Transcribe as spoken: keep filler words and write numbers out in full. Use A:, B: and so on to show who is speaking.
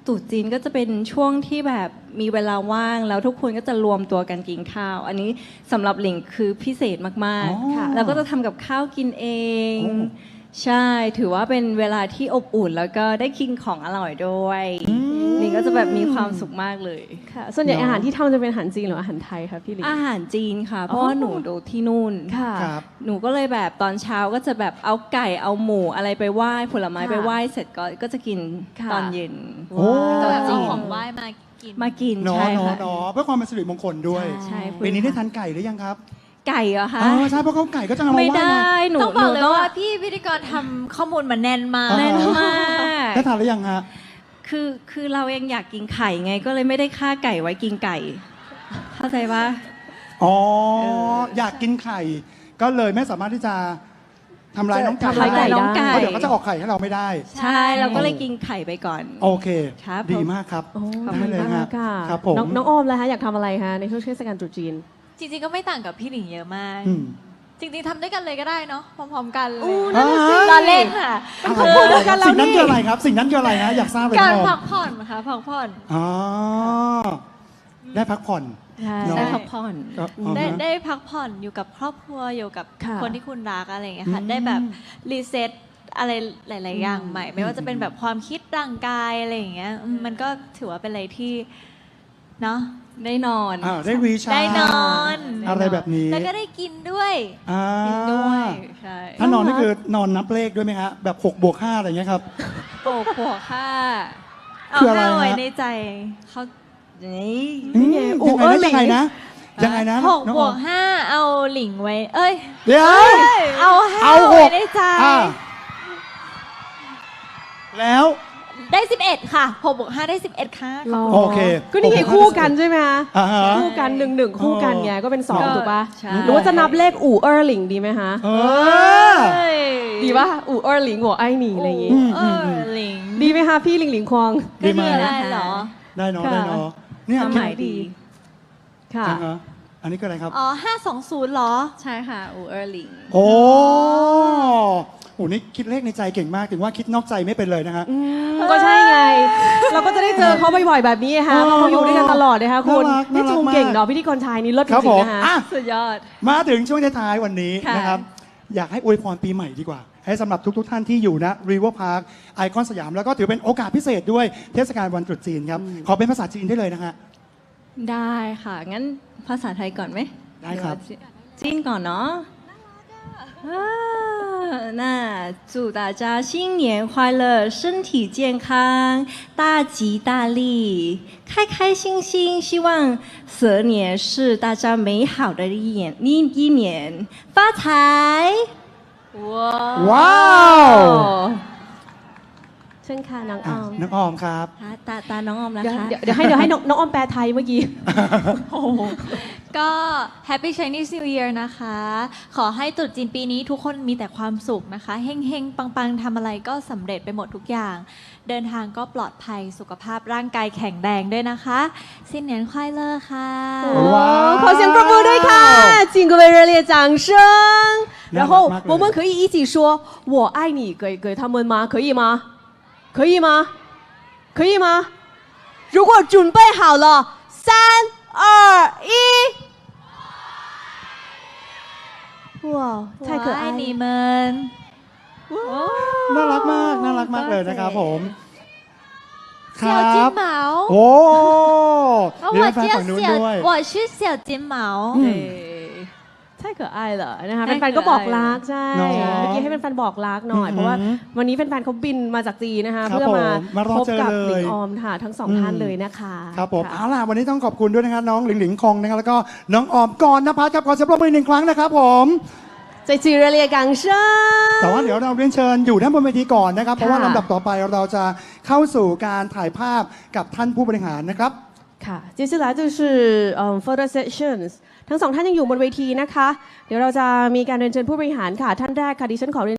A: ตรุษจีนก็จะเป็นช่วงที่แบบมีเวลาว่างแล้วทุกคนก็จะรวมตัวกันกินข้าว อันนี้สำหรับหลิงคือพิเศษมากๆค่ะแล้วก็จะทำกับข้าวกินเองใช่ถือว่าเป็นเวลาที่อบอุ่นแล้วก็ได้กินของอร่อยด้วยหลิงก็จะแบบมีความสุขมากเลย
B: ค่ะส่วนใหญ่อาหารที่ทำจะเป็นอาหารจีนหรืออาหารไทยคะพี่หลิง
A: อาหารจีนค่ะเพราะว่าหนูดูที่นู่น
B: ค่ะ
A: หนูก็เลยแบบตอนเช้าก็จะแบบเอาไก่เอาหมูอะไรไปไหว้ผลไม้ไปไหว้เสร็จก็ก็จะกินตอนเย็น
C: ก็แบบเอาของไหว้มากิน
A: มากิน
D: เนาะ
A: ใช่ค่ะ
D: เนาะเพื่อความเป็นสิริมงคลด้วย
A: ใช่
D: ปีนี้ได้ทานไก่หรือยังครับ
A: ไก่เหรอคะ
D: อ๋อใช่เพราะเขาไก่ก็จะเอามาไหว้
A: ไม่ได้หนู
C: ต้องบอกเลยว่าพี่พิธีกรทำข้อมูลมาแน่นมาก
A: แน่นมาก
D: ได้ทานหรือยังฮะ
A: คือคือเราเองอยากกินไข่ไงก็เลยไม่ได้ฆ่าไก่ไว้กินไก่เข้าใจปะ
D: อ๋ออยากกินไข่ก็เลยไม่สามารถที่จะทำลายน้องไก่
A: ทำลายไก่น้องไก่
D: เพราะเดี๋ยวเขาจะออกไข่ให้เราไม่ได้
A: ใช่เราก็เลยกินไข่ไปก่อน
D: โอเคดีมากครับ
B: ได้เลยฮะ
D: ครับผม
B: น้องออมแล้วฮะอยากทำอะไรคะในช่วงเทศกาลตรุษจีน
C: จริงๆก็ไม่ต่างกับพี่หลิงเยอะมากจริงๆทำด้วยกันเลยก็ได้เนาะพร้อมๆกันเลยตอนเล่นค่ะ
D: เขาพูดด้วยกันแล้วนี่สิ่งนั้นคืออะไรครับสิ่งนั้นคืออะไรฮะอยากทราบเลย
C: การพักผ่อนค่ะพักผ่อน
D: อ๋อได้พักผ่อน
A: ได้พักผ่อน
C: ได้ได้พักผ่อนอยู่กับครอบครัวอยู่กับคนที่คุณรักอะไรอย่างเงี้ยค่ะได้แบบรีเซ็ตอะไรหลายๆอย่างใหม่ไม่ว่าจะเป็นแบบความคิดร่างกายอะไรอย่างเงี้ยมันก็ถือว่าเป็นอะไรที่เนาะ
A: ได้นอน
D: ได้รีชาร์จ
C: ได้นอน
D: อะไรแบบนี้
C: แล้วก็ได้กินด้วย
A: กินด้วยใช่
D: ถ้านอนนี่คือนอนนับเลขด้วยไหมฮะแบบหกบวกห้าอะไรเงี้ยครับ
A: หกบวกห้า
C: เอาห้าไว้ในใจ
A: เขานี่
D: ยังไงยังไงนะยังไงนะ
C: หกบวกห้าเอาหลิงไว้เอ้ย
D: เดี๋ยว
C: เอาห้าไว้ในใจ
D: แล้ว
C: ได้สิบเอ็ดค่ะหกบวกห้าได้สิบเอ็ดค่ะ
D: โอเค
B: ก็นี่ไงคู่กันใช่ไหมคะคู่กันหนึ่งหนึ่งคู่กันไงก็เป็นสองถูกป่ะหรือว่าจะนับเลขอู่เออร์หลิงดีไหมคะดีป่ะอู่เออร์หลิงหัวไอ้หนีอะไรอย่างงี้
C: เออหลิง
B: ดีไหมคะพี่หลิงหลิงควง
C: ดีไหมได้เหรอ
D: ได้เนาะได้เนาะเนี่ย
A: หมายดี
B: ค่ะ
D: อันนี้ก็อะไรครับ
C: อ๋อห้าสองศูนย์เหรอ
A: ใช่ค่ะอูเออร์หลิง
D: โอ้โหนี่คิดเลขในใจเก่งมากถึงว่าคิดนอกใจไม่เป็นเลยนะฮะ
B: ก็ใช่ไงเราก็จะได้เจอเขาบ่อยๆแบบนี้ฮะเพราะเขาอยู่ด้วยกันตลอดนะคะคุณนี่ชมเก่งเนาะพิธีกรชายนี่เลิศจริงๆนะคะ
A: สุดยอด
D: มาถึงช่วงท้ายวันนี้นะครับอยากให้อวยพรปีใหม่ดีกว่าให้สำหรับทุกๆท่านที่อยู่นะรีเวอร์พาร์คไอคอนสยามแล้วก็ถือเป็นโอกาสพิเศษด้วยเทศกาลวันตรุษจีนครับขอเป็นภาษาจีนได้เลยนะฮะ
A: ได้ค่ะงั้นภาษาไทยก่อนไหม
D: ได้ครับ
A: จีนก่อนเนาะ那祝大家新年快乐，身体健康，大吉大利，开开心心。希望蛇年是大家美好的一年，一一年发财。
D: 哇ว้าว
B: เชิญค่ะน้องออม
D: น้องออมครับ
A: ตาตาน้องออมนะคะ
B: เดี๋ยวให้เดี๋ยวให้น้องออมแปลไทยเมื่อกี้
C: ก็ Happy Chinese New Year นะคะขอให้ตรุษจีนปีนี้ทุกคนมีแต่ความสุขนะคะเฮงๆปังๆทำอะไรก็สำเร็จไปหมดทุกอย่างเดินทางก็ปลอดภัยสุขภาพร่างกายแข็งแรงด้วยนะคะ新年快乐ค่ะ
B: ขอเสียงปรบมือด้วยค่ะ请各位热烈掌声然后我们可以一起说我爱你给给他们吗可以吗可以吗？可以吗？如果准备好了，三二一，哇，太可爱
C: 你们！
D: น่ารักมากน่ารักมากเลยนะครับผม
C: 小金毛
D: โอ้
C: 我叫小我是小金毛
B: ใช่เกิดไอเหรอนะคะแฟนๆก็บอกรักใช่เมื่อกี้ให้แฟนๆบอกรักหน่อยเพราะว่าวันนี้แฟนๆเขาบินมาจากจีนนะคะเพื่อมาพบกับหลิงออมค่ะทั้งสองท่านเลยนะคะ
D: ครับผมเอาล่ะวันนี้ต้องขอบคุณด้วยนะครับน้องหลิงหลิงคงนะครับแล้วก็น้องออมก่อนนภัสครับขอเสียงปรบมือหนึ่งครั้งนะครับผม
B: ใจจีเรียกังเชิญ
D: แต่ว่าเดี๋ยวเราเรียนเชิญอยู่ด้านบนเวทีก่อนนะครับเพราะว่าลำดับต่อไปเราจะเข้าสู่การถ่ายภาพกับท่านผู้บริหารนะครับ
B: ค่ะ接下来就是嗯 photo sessions ทั้งสองท่านยังอยู่บนเวทีนะคะเดี๋ยวเราจะมีการเรียนเชิญผู้บริหารค่ะท่านแรกค่ะดิฉันขอเรียน